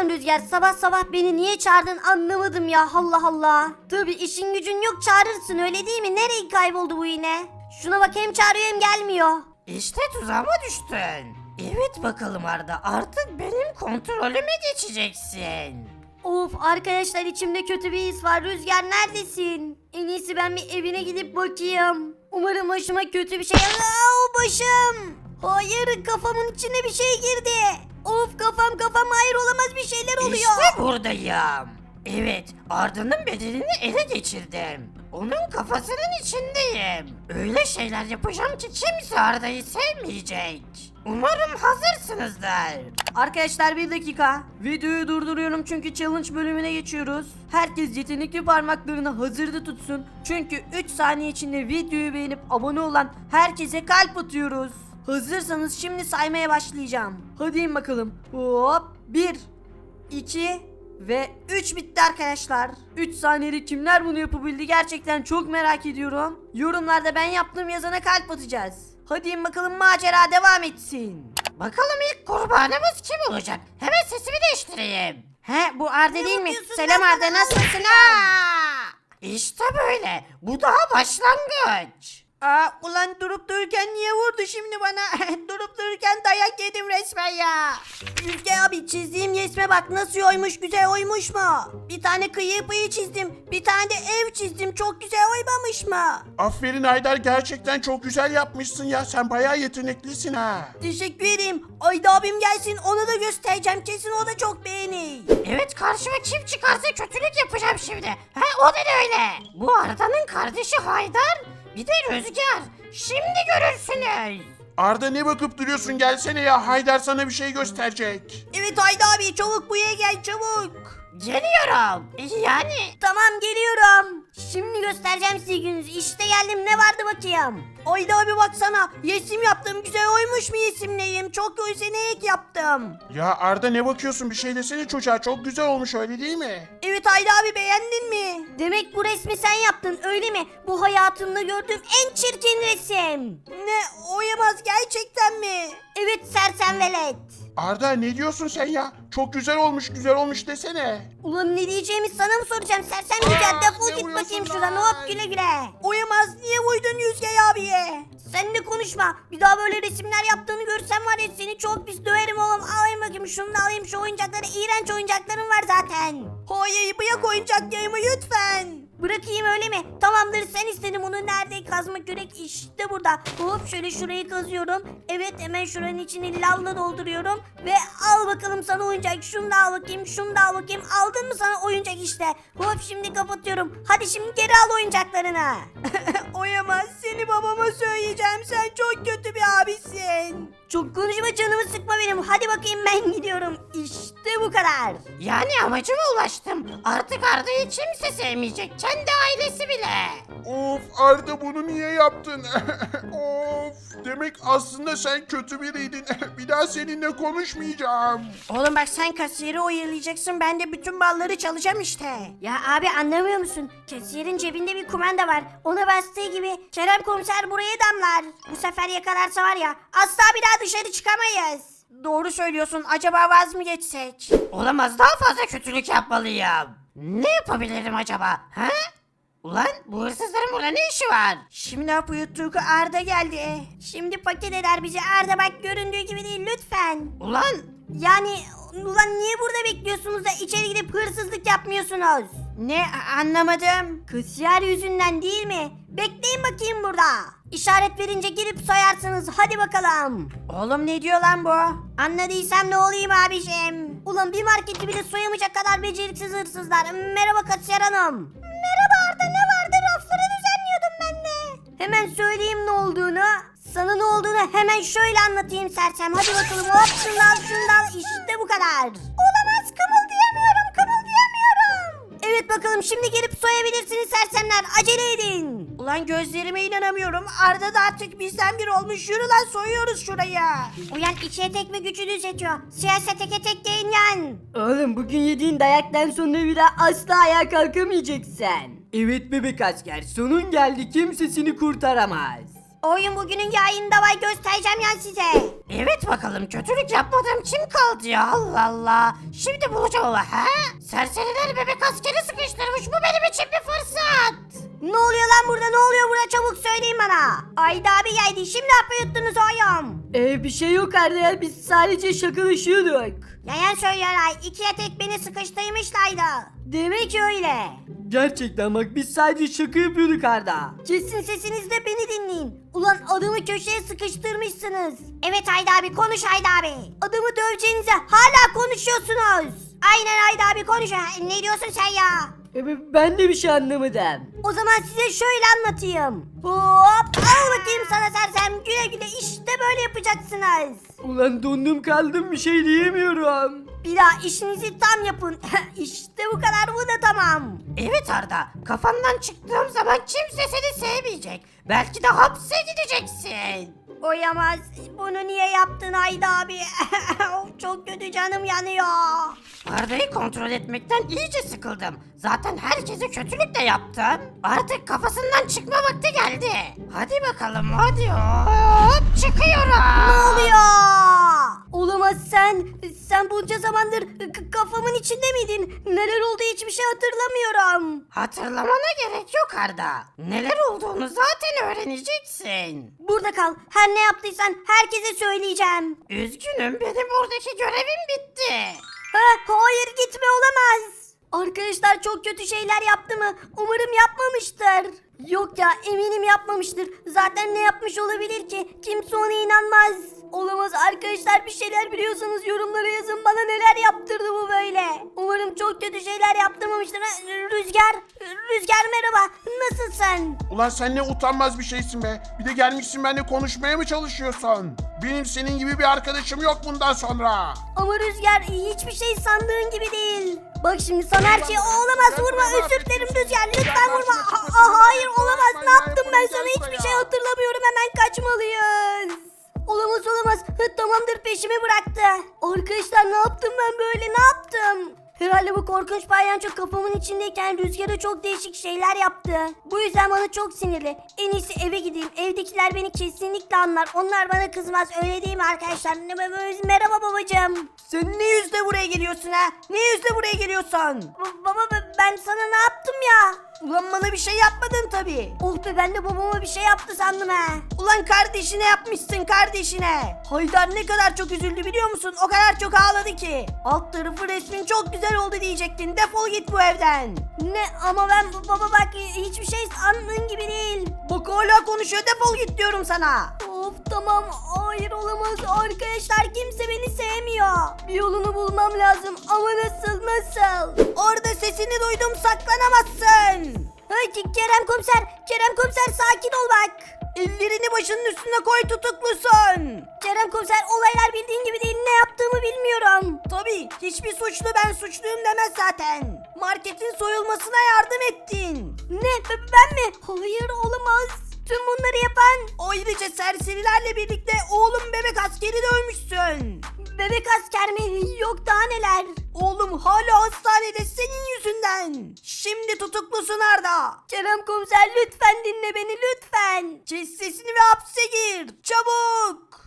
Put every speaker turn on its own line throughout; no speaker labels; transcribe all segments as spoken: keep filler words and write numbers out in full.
Ulan Rüzgar, sabah sabah beni niye çağırdın anlamadım ya, Allah Allah. Tabi işin gücün yok, çağırırsın öyle değil mi? Nereye kayboldu bu yine? Şuna bak, hem çağırıyor hem gelmiyor.
İşte tuzağıma düştün. Evet bakalım Arda, artık benim kontrolüme geçeceksin.
Of arkadaşlar, içimde kötü bir his var. Rüzgar neredesin? En iyisi ben bir evine gidip bakayım. Umarım başıma kötü bir şey... Aa, başım! Hayır, kafamın içine bir şey girdi. Of kafam kafam, hayır olamaz, bir şeyler oluyor.
İşte buradayım. Evet, Arda'nın bedenini ele geçirdim. Onun kafasının içindeyim. Öyle şeyler yapacağım ki kimse Arda'yı sevmeyecek. Umarım hazırsınızdır.
Arkadaşlar bir dakika. Videoyu durduruyorum çünkü challenge bölümüne geçiyoruz. Herkes yetenekli parmaklarını hazırda tutsun. Çünkü üç saniye içinde videoyu beğenip abone olan herkese kalp atıyoruz. Hazırsanız şimdi saymaya başlayacağım. Hadi in bakalım. Hop. bir, iki ve üç bitti arkadaşlar. üç saniyede kimler bunu yapabildi gerçekten çok merak ediyorum. Yorumlarda ben yaptım yazana kalp atacağız. Hadi in bakalım, macera devam etsin.
Bakalım ilk kurbanımız kim olacak? Hemen sesimi değiştireyim.
He, bu Arda değil mi?
yapıyorsun
Selam
lan
Arda,
bana?
nasılsın?
İşte böyle. Bu daha başlangıç.
Aa, ulan durup dururken niye vurdu şimdi bana? Durup dururken dayak yedim resmen ya. Rüzgar abi, çizdiğim resme bak, nasıl oymuş, güzel oymuş mu? Bir tane kıyı pıyı çizdim, bir tane de ev çizdim, çok güzel oymamış mı?
Aferin Haydar, gerçekten çok güzel yapmışsın ya. Sen bayağı yeteneklisin ha.
Teşekkür ederim. Ayda abim gelsin, ona da göstereceğim, kesin o da çok beğenir.
Evet, karşıma kim çıkarsa kötülük yapacağım şimdi. Ha, o da öyle. Bu Arda'nın kardeşi Haydar, bir de Rüzgar. Şimdi görürsünüz.
Arda, ne bakıp duruyorsun, gelsene ya. Haydar sana bir şey gösterecek.
Evet Ayda abi, çabuk buraya gel, çabuk.
Geliyorum. Yani
Tamam, geliyorum. Şimdi göstereceğim size gününüzü. İşte geldim, ne vardı bakayım. Ayda abi baksana, yesim yaptım, güzel oymuş mu yesimleyim? Çok yetenek yaptım.
Ya Arda, ne bakıyorsun, bir şey desene çocuğa. Çok güzel olmuş, öyle değil mi?
Evet Ayda abi, beğendin mi? Demek bu resmi sen yaptın öyle mi? Bu hayatımda gördüğüm en çirkin resim. Ne, oyamaz gerçekten mi? Evet sersem velet.
Arda, ne diyorsun sen ya? Çok güzel olmuş, güzel olmuş desene.
Ulan ne diyeceğimi sana mı soracağım, sersem güzel,
Aa,
defol
ne
git
vuruyorsun
bakayım
lan?
şuradan, hop güle güle. Oyamaz, niye uydun Yüzgey abiye? Sen de konuşma, bir daha böyle resimler yaptığını görsem var ya, seni çok pis döverim oğlum. Alayım bakayım şunu da, alayım şu oyuncakları, iğrenç oyuncaklarım var zaten. Hayır, bırak oyuncaklarımı lütfen. Bırakayım öyle mi? Tamamdır, sen istedin bunu. Nerede? Kazma kürek işte burada. Hop şöyle şurayı kazıyorum. Evet, hemen şuranın içini lavla dolduruyorum. Ve al bakalım sana oyuncak. Şunu da al bakayım, şunu da al bakayım. Aldın mı sana oyuncak işte. Hop şimdi kapatıyorum. Hadi şimdi geri al oyuncaklarını. Oyamaz, seni babama söyleyeceğim. Sen çok kötü bir abisin. Çok konuşma, canımı sıkma benim. Hadi bakayım, ben gidiyorum. İşte bu kadar.
yani amacıma ulaştım. Artık Arda'yı kimse sevmeyecek. Kendi ailesi bile.
Of Arda, bunu niye yaptın? Of, demek aslında sen kötü biriydin. Bir daha seninle konuşmayacağım.
Oğlum bak, sen kasiyeri oyalayacaksın, ben de bütün balları çalacağım işte. Ya abi, anlamıyor musun? Kasiyerin cebinde bir kumanda var. Ona bastığı gibi Kerem komiser buraya damlar. Bu sefer yakalarsa var ya, asla bir daha dışarı çıkamayız. Doğru söylüyorsun, acaba vaz mı geçsek?
Olamaz, daha fazla kötülük yapmalıyım. Ne yapabilirim acaba? Ha? Ulan bu hırsızların burada ne işi var?
Şimdi ne yapıyor Tuğku? Arda geldi. Şimdi paket eder bizi. Arda bak, göründüğü gibi değil lütfen.
Ulan
Yani ulan niye burada bekliyorsunuz da içeri gidip hırsızlık yapmıyorsunuz? Ne, anlamadım. Kasiyer yüzünden değil mi? Bekleyin bakayım burada. İşaret verince girip soyarsınız, hadi bakalım. Oğlum ne diyor lan bu? Anladıysam ne olayım abiciğim? Ulan bir marketi bile soyamayacak kadar beceriksiz hırsızlar. Merhaba kasiyer hanım. Merhaba Arda, ne vardı? Rafları düzenliyordum ben de. Hemen söyleyeyim ne olduğunu. Sana ne olduğunu hemen şöyle anlatayım sersem. Hadi bakalım, hop şunu da al, şunu da al. İşte bu kadar. Olamaz, kımıldayamıyorum, kımıldayamıyorum. Evet bakalım, şimdi gelip soyabilirsiniz sersemler. Acele edin. Ulan gözlerime inanamıyorum. Arda da artık bizden bir olmuş. Yürü lan, soyuyoruz şurayı. Uyan, içe tek ve gücü düzetiyor. Siyasete teke tek deyin yan. Oğlum bugün yediğin dayaktan sonra bir daha asla ayağa kalkamayacaksın. Evet bebek asker, sonun geldi, kimse seni kurtaramaz. Oyun bugünün yayında var, göstereceğim ya size.
Evet bakalım, kötülük yapmadığım kim kaldı ya, Allah Allah. Şimdi bulacağım ama ha? Serseriler bebek askeri sıkıştırmış, bu benim için bir fırsat.
Ne oluyor lan burada, ne oluyor burada, çabuk söyleyin bana. Ayda abi geldi, şimdi hapı yuttunuz oğlum.
Ee, bir şey yok Arda ya, biz sadece şakalaşıyorduk.
Yayan söylüyorlar, ikiye tek beni sıkıştırmışlardı. Demek öyle.
Gerçekten bak, biz sadece şaka yapıyorduk Arda.
Kesin sesinizle beni dinleyin. Ulan adamı köşeye sıkıştırmışsınız. Evet Ayda abi, konuş Ayda abi. Adamı döveceğinize hala konuşuyorsunuz. Aynen Ayda abi, konuş. Ha, ne diyorsun sen ya?
Ee, ben de bir şey anlamadım.
O zaman size şöyle anlatayım. Hop, al bakayım sana sersem, güle güle, işte böyle yapacaksınız.
Ulan dondum kaldım, bir şey diyemiyorum.
Bir daha işinizi tam yapın. İşte bu kadar, bu da tamam.
Evet Arda, kafandan çıktığım zaman kimse seni sevmeyecek. Belki de hapse gideceksin.
Oyamaz. Bunu niye yaptın Ayda abi? Çok kötü, canım yanıyor.
Arda'yı kontrol etmekten iyice sıkıldım. Zaten herkese kötülük de yaptım. Artık kafasından çıkma vakti geldi. Hadi bakalım, hadi hop, çıkıyorum.
Ne oluyor? Olamaz, sen. Sen bunca zamandır k- kafamın içinde miydin? Neler oldu hiçbir şey hatırlamıyorum.
Hatırlamana gerek yok Arda. Neler olduğunu zaten öğreneceksin.
Burada kal. Her ne yaptıysan herkese söyleyeceğim.
Üzgünüm, benim buradaki görevim bitti.
Ha, hayır, gitme, olamaz. Arkadaşlar çok kötü şeyler yaptı mı? Umarım yapmamıştır. Yok ya, eminim yapmamıştır. Zaten ne yapmış olabilir ki? Kimse ona inanmaz. Olamaz arkadaşlar, bir şeyler biliyorsanız yorumlara yazın, bana neler yaptırdı bu böyle. Umarım çok kötü şeyler yaptırmamıştır. Ha, Rüzgar, Rüzgar merhaba, nasılsın?
Ulan sen ne utanmaz bir şeysin be. Bir de gelmişsin benimle konuşmaya mı çalışıyorsun? Benim senin gibi bir arkadaşım yok bundan sonra.
Ama Rüzgar, hiçbir şey sandığın gibi değil. Bak şimdi sana her şey, o olamaz, vurma, özür dilerim Rüzgar, lütfen vurma. Aa, aa, hayır olamaz, ne yaptım ben sana, hiçbir şey hatırlamıyorum, hemen kaçmalıyız. Olamaz olamaz, Hı, tamamdır, peşimi bıraktı. Arkadaşlar ne yaptım ben böyle, ne yaptım? Herhalde bu korkunç palyaço kafamın içindeyken Rüzgar'a çok değişik şeyler yaptı. Bu yüzden bana çok sinirli. En iyisi eve gideyim. Evdekiler beni kesinlikle anlar. Onlar bana kızmaz. Öyle değil mi arkadaşlar? Merhaba babacığım.
Sen ne yüzle buraya geliyorsun ha? Ne yüzle buraya geliyorsun?
Ba- baba be- ben sana ne yaptım ya?
Ulan bana bir şey yapmadın tabii.
Oh be, ben de babama bir şey yaptı sandım ha.
Ulan kardeşine yapmışsın, kardeşine. Haydar ne kadar çok üzüldü biliyor musun? O kadar çok ağladı ki. Alt tarafı resmin çok güzel oldu diyecektin. Defol git bu evden.
Ne ama ben baba bak, hiçbir şey sandığın gibi değil.
Bak hala konuşuyor, defol git diyorum sana.
Of tamam, hayır olamaz arkadaşlar, kimse beni sevmiyor. Bir yolunu bulmam lazım ama nasıl nasıl?
Orada sesini duydum, saklanamazsın.
Hey, K- Kerem komiser, Kerem komiser sakin ol bak.
Ellerini başının üstüne koy, tutuklusun.
Kerem komiser, olaylar bildiğin gibi değil, ne yaptığımı bilmiyorum.
Tabii hiçbir suçlu ben suçluyum demez zaten. Marketin soyulmasına yardım ettin.
Ne, b- ben mi? Hayır olamaz. Tüm bunları yapan
Ayrıca serserilerle birlikte oğlum bebek askeri dövmüşsün.
bebek asker mi? Yok daha neler.
Oğlum hala hastanede senin yüzünden. Şimdi tutuklusun Arda.
Kerem komiser, lütfen dinle beni, lütfen.
Kes sesini ve hapse gir. Çabuk.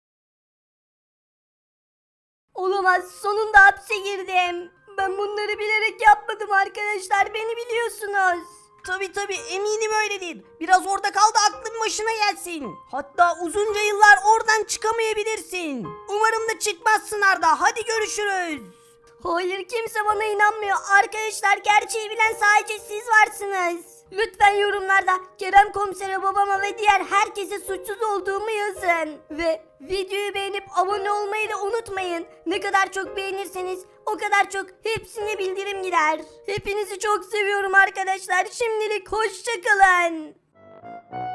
Olamaz, sonunda hapse girdim. Ben bunları bilerek yapmadım arkadaşlar, beni biliyorsunuz.
Tabii tabii, eminim öyledir. Biraz orada kal da aklın başına gelsin. Hatta uzunca yıllar oradan çıkamayabilirsin. Umarım da çıkmazsın Arda. Hadi görüşürüz.
Hayır, kimse bana inanmıyor. Arkadaşlar, gerçeği bilen sadece siz varsınız. Lütfen yorumlarda Kerem komisere, babama ve diğer herkese suçsuz olduğumu yazın. Ve videoyu beğenip abone olmayı da unutmayın. Ne kadar çok beğenirseniz o kadar çok hepsine bildirim gider. Hepinizi çok seviyorum arkadaşlar. Şimdilik hoşça kalın.